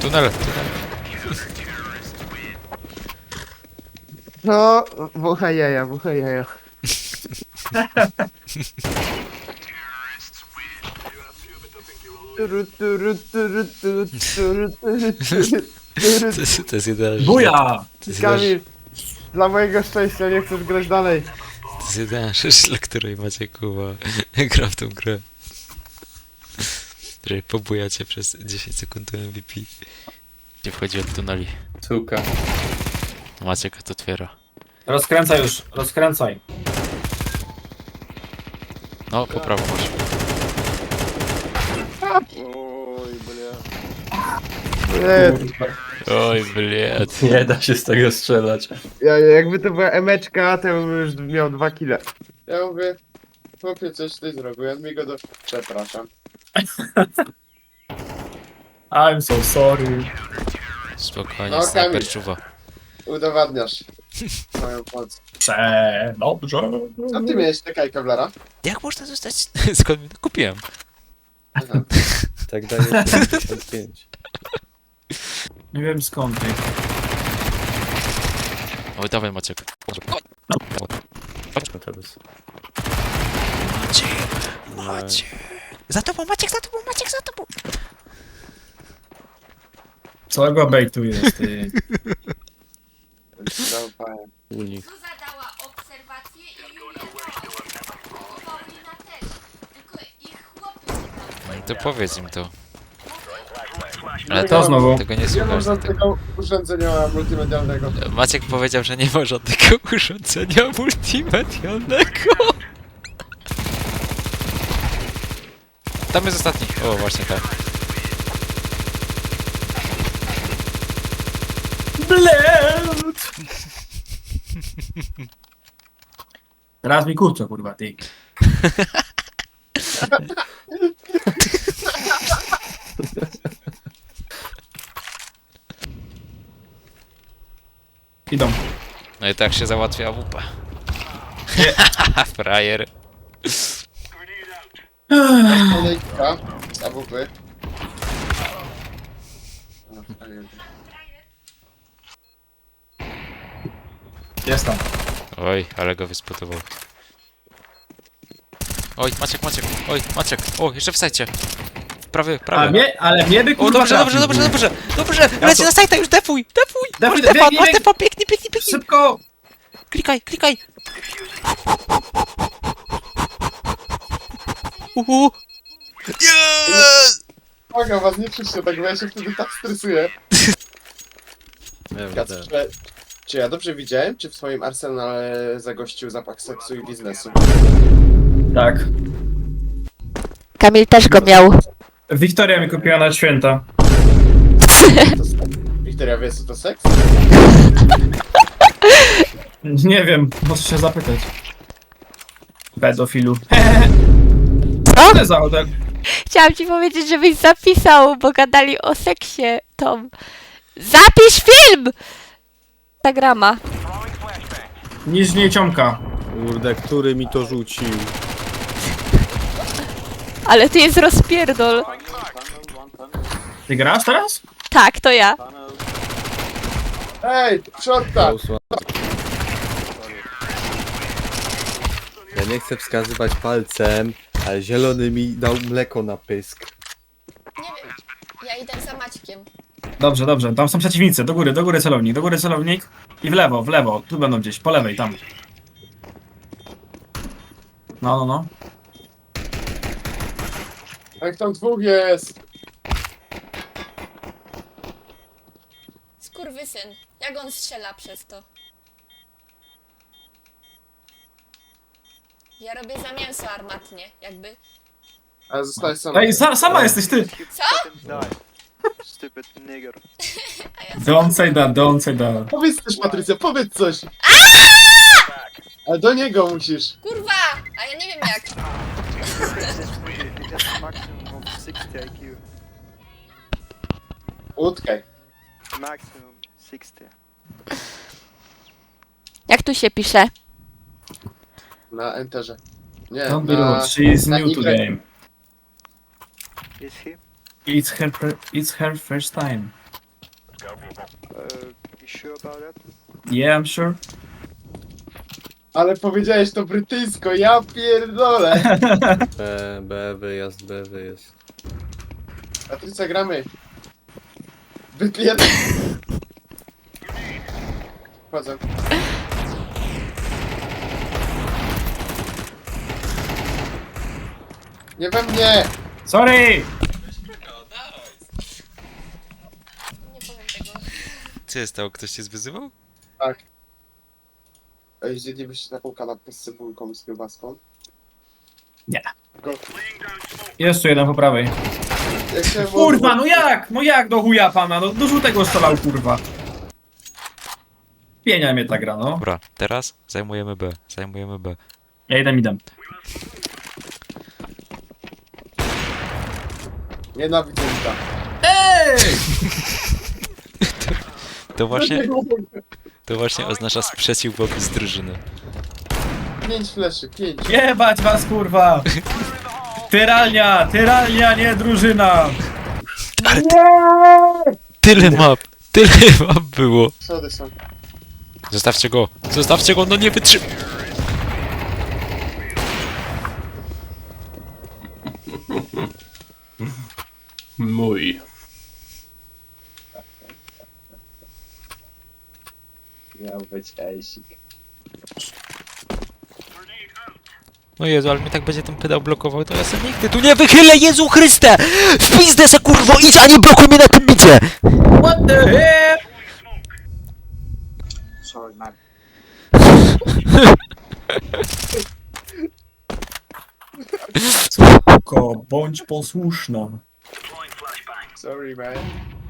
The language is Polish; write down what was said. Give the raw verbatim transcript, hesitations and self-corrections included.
Tunel, tunel. No, bucha jaja, bucha jaja. Turu, turu, turu, turu, turu, turu, turu, To turu. jest, to jest jedyna Buja! To jest, jedyna, Kamil, dla mojego szczęścia nie chcesz grać dalej. to jest jedyna rzecz, dla której macie kuba gra w tą grę. Że pobujacie przez dziesięć sekund do M V P. Gdzie wchodzi od tuneli. Suka. Maciek to otwiera. Rozkręcaj już, rozkręcaj. No, po prawo masz. Oj, bля. Nie, Oj, bliet. Nie da się z tego strzelać. ja, jakby to była emeczka, to bym już miał dwa kile. Ja mówię, chłopie, coś ty zrobiłem, mi go do... Przepraszam. I'm so sorry. Spokojnie, No, snajper Kamil. czuwa. Udowadniasz moją pomoc. Prze... Dobrze. A ty miałeś taka kawlara? Jak można zostać? Skąd mi to kupiłem? Aha. Tak daje pięćdziesiąt pięć. Nie wiem skąd ty. Oj, dawaj Maciek. No teraz. Maciek, Maciek. Za tobą Maciek, za tobą Maciek, za tobą. Całego bejtu jest ty. Zaufałem. U nich. Zuza dała obserwację i Julia Paulina też. Tylko ich chłopi się tam. No to powiedz im to. Ale Ale To to, znowu. tego nie Nie mam słuchasz. Tego. żadnego urządzenia multimedialnego. Maciek powiedział, że nie ma żadnego urządzenia multimedialnego. Tam jest ostatni. O, właśnie tak. Blet! Teraz mi kurczę, kurwa, ty. Idą. No i tak się załatwia A W P. Frajer. Kolejka z A W P. Jest tam. Oj, ale go wyspotował. Oj, Maciek, Maciek. Oj, Maciek. O, jeszcze w sajcie. Prawy, Ale prawy. mnie, ale mnie by O, kurwa dobrze, dobrze, trafił. dobrze, dobrze. Dobrze, leci to- na sajta już, defuj, defuj. Defuj, Masz defa, biegnij, masz biegnij. defa, pięknie, pięknie, pięknie. Szybko! Klikaj, klikaj. Uhu. Yes! Uwaga, was nie krzyczcie tak, bo ja się wtedy tak stresuję. Wiem, Kacper, czy, czy ja dobrze widziałem, czy w swoim arsenale zagościł zapach seksu i biznesu? Tak. Kamil też go miał. Wiktoria mi kupiła na święta. To seks. Wiktoria, wiesz co to seks? Nie wiem, muszę się zapytać. Pedofilu. Co? Co za hotel? Chciałam ci powiedzieć, żebyś zapisał, bo gadali o seksie, Tom. Zapisz film! Instagrama. Niżniej ciomka. Kurde, który mi to rzucił? Ale tu jest rozpierdol. Ty grasz teraz? Tak, to ja. Ej, przodka! Usła- Ja nie chcę wskazywać palcem, ale zielony mi dał mleko na pysk. Nie wiem. Ja idę za Maćkiem. Dobrze, dobrze. Tam są przeciwnicy. Do góry, do góry celownik, do góry celownik. I w lewo, w lewo. Tu będą gdzieś, po lewej, tam. No, no, no. Jak tam dwóch jest! Skurwysyn. Jak on strzela przez to? Ja robię za mięso armatnie, jakby. Ale zostałeś sama. Ej, sa sama jesteś ty! Co? Stupid nigger. Don't say that, don't say that. Powiedz coś, Patrycja, powiedz coś! Ale do niego musisz. Kurwa! A ja nie wiem jak. It has maximum of sixty I Q. Utkaj. Maximum sixty. Jak tu się pisze? Na enterze. Nie, Don't be na... rude, she is na new to Y. game. Is he? It's her, pre- it's her first time. about that? Yeah, I'm sure. Ale powiedziałeś to brytyjsko, ja pierdolę. B, B, wyjazd, B, wyjazd. Patrycja, gramy. Byt jeden. Wchodzę. Nie we mnie! Sorry! Nie powiem tego. Co jest stało? Ktoś cię zwyzywał? Tak. Ej, zjedlibyście taką kanapkę z cebulką i z kiełbaską? Nie. Tylko, Jest tu jeden po prawej. jak się Kurwa, no jak? No jak do chuja pana? No do żółtego strzelał, kurwa. Pienia mnie ta gra, no. Dobra, teraz zajmujemy B. Zajmujemy B. Ja idę midem. Nienawidzę ta. Ej! To właśnie, to właśnie oznacza sprzeciw wobec drużyny. Pięć fleszy, pięć. Jebać was, kurwa! Tyralnia! Tyralnia, nie drużyna! Tyle map! Tyle map było! Schody są. Zostawcie go! Zostawcie go, no nie wytrzym... Mój. Miał być ejsik. No Jezu, ale mnie tak będzie ten pedał blokował, to ja sobie nigdy tu nie wychylę, Jezu Chryste! W pizdę se kurwo, idź, a nie blokuj mnie na tym bicie! What the hell? Sorry, man. Spoko, bądź posłuszna. Sorry, man.